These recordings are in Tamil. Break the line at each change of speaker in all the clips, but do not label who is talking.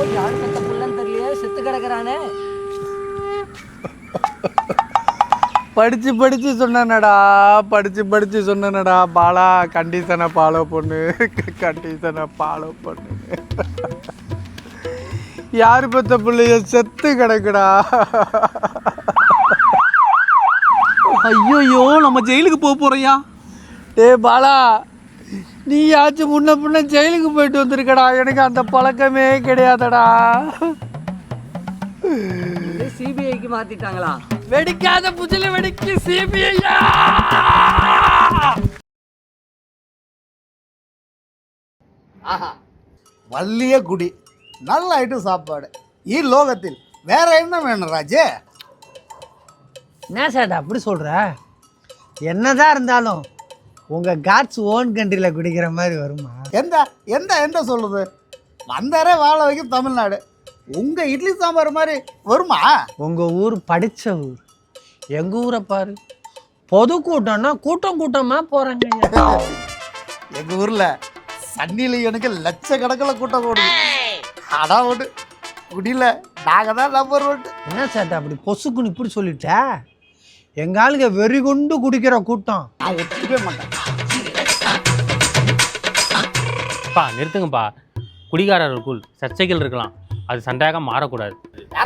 யாரு பெத்த புள்ளன்னு தெரியலையே, செத்து கிடக்குறானே.
படிச்சு சொன்னடா பாலா, கண்டிஷனை ஃபாலோ பண்ணு. யாரு பெத்த பிள்ளைய செத்து கிடக்குடா.
ஐயோ, நம்ம ஜெயிலுக்கு போறியா?
பாலா, நீயாச்சும் முன்ன பின்ன ஜெயிலுக்கு போயிட்டு வந்திருக்கடா. எனக்கு அந்த பழக்கமே கிடையாதடா.
சிபிஐக்கு மாத்திட்டாங்களா?
வெடிக்காத புஜில வெடிக்கு சிபிஐயா.
ஆஹா, வள்ளிய குடி, நல்ல ஐட்டம் சாப்பாடு. லோகத்தில் வேற என்ன வேணும் ராஜே?
என்ன சார் அப்படி சொல்ற? என்னதான் இருந்தாலும் உங்க காட்ஸ் ஓன் கண்ட்ரியில் குடிக்கிற மாதிரி வருமா?
எந்த எந்த எந்த சொல்லுது? வந்தாரே வாழ வைக்கும் தமிழ்நாடு. உங்க இட்லி சாம்பார் மாதிரி வருமா?
உங்க ஊர் படிச்ச ஊர். எங்க ஊரை பாரு, பொது கூட்டம்னா கூட்டமா போறாங்க.
எங்க ஊர்ல சன்னில எனக்கு லட்சக்கணக்கில் கூட்டம் ஓடுது. அதான் ஒன்று குடியில நாங்க தான் நம்பர் ஒன்று.
என்ன சேட்டா அப்படி பொசுக்குன்னு இப்படி சொல்லிட்ட? எங்க ஆளுங்க வெறி கொண்டு குடிக்கிற கூட்டம்.
நான் ஒத்துக்கவே மாட்டேன்.
நிறுத்துங்கப்பா. குடிகாரர்களுக்குள் சர்ச்சைகள் இருக்கலாம், அது சண்டையாக மாறக்கூடாது.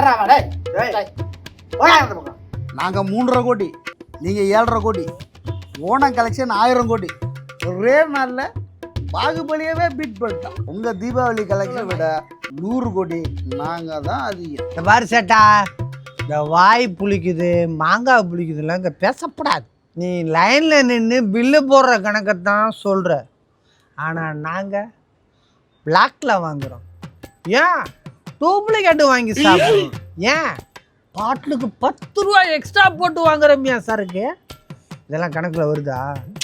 நாங்க 3.5 கோடி, நீங்க 7.5 கோடி. ஓணம் கலெக்ஷன் 1000 கோடி. ஒரே நாள்ல பாகுபலியவே பீட் பண்ணிட்டோம். உங்க தீபாவளி கலெக்ஷன் விட 100 கோடி நாங்க தான் அதிகம்.
இந்த பாரு சேட்டா, இந்த வாய் புளிக்குது மாங்காய் புளிக்குதுலாம் இங்கே பேசப்படாது. நீ லைனில் நின்று பில்லு போடுற கணக்கைத்தான் சொல்கிற. ஆனால் நாங்கள் பிளாக்கில் வாங்குகிறோம். ஏன் டூப்ளிகேட்டு வாங்கி சாப்பிடுறோம்? ஏன் பாட்டிலுக்கு 10 ரூபா எக்ஸ்ட்ரா போட்டு வாங்குறோம்யா சருக்கு? இதெல்லாம் கணக்கில் வருதா?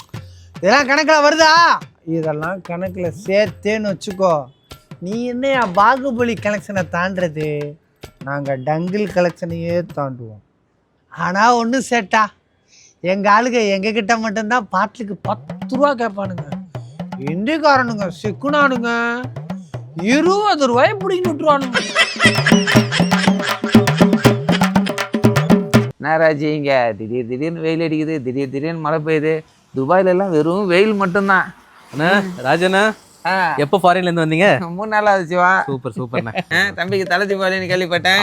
இதெல்லாம் கணக்கில் சேர்த்தேன்னு வச்சுக்கோ. நீ என்னையா பாகுபலி கலெக்ஷனை தாண்டது? நாங்கள் டங்கிள் கலெக்ஷனையே தாண்டுவோம். ஆனால் ஒன்று சேட்டா, எங்கள் ஆளுங்க எங்ககிட்ட மட்டும்தான் பாட்டிலுக்கு 10 ரூபா கேட்பானுங்க. இந்திக்காரனுங்க சிக்குனானுங்க 20 ரூபாய் பிடிங்கி விட்டுருவானுங்க.
நாராஜி, இங்கே திடீர்னு வெயில் அடிக்குது, திடீர்னு மழை பெய்யுது. துபாயிலெல்லாம் வெறும் வெயில் மட்டும்தான்.
அண்ணா ராஜண்ணா, எப்போ ஃபாரின்லேருந்து வந்தீங்க?
3 நாள் ஆகுது சிவா.
சூப்பர்ண்ணா.
தம்பிக்கு தலை தீபாவளின்னு கேள்விப்பட்டேன்.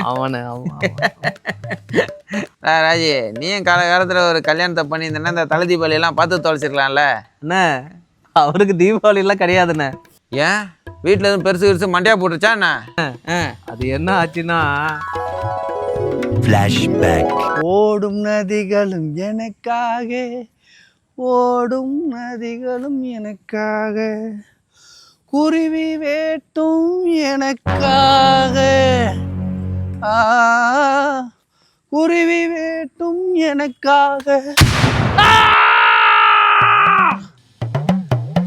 ராஜி, நீயும் காலத்தில் ஒரு கல்யாணத்தை பண்ணியிருந்தேன்னா இந்த தலை தீபாவளியெல்லாம் பார்த்து தொலைச்சிடலாம்ல.
அண்ணா, அவருக்கு தீபாவளிலாம் கிடையாதுண்ணே.
ஏன் வீட்டில் எதுவும் பெருசு மண்டையா போட்டுருச்சா என்ன?
அது என்ன ஆச்சுன்னா,
ஓடும் நதிகளும் எனக்காக, ஓடும் நதிகளும் எனக்காக, குருவி வேட்டும் எனக்காக, குருவி வேட்டும் எனக்காக.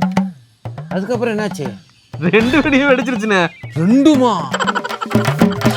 அதுக்கப்புறம் என்னாச்சு?
2 வெடியும் வெடிச்சிருச்சுண்ணே.
2மா?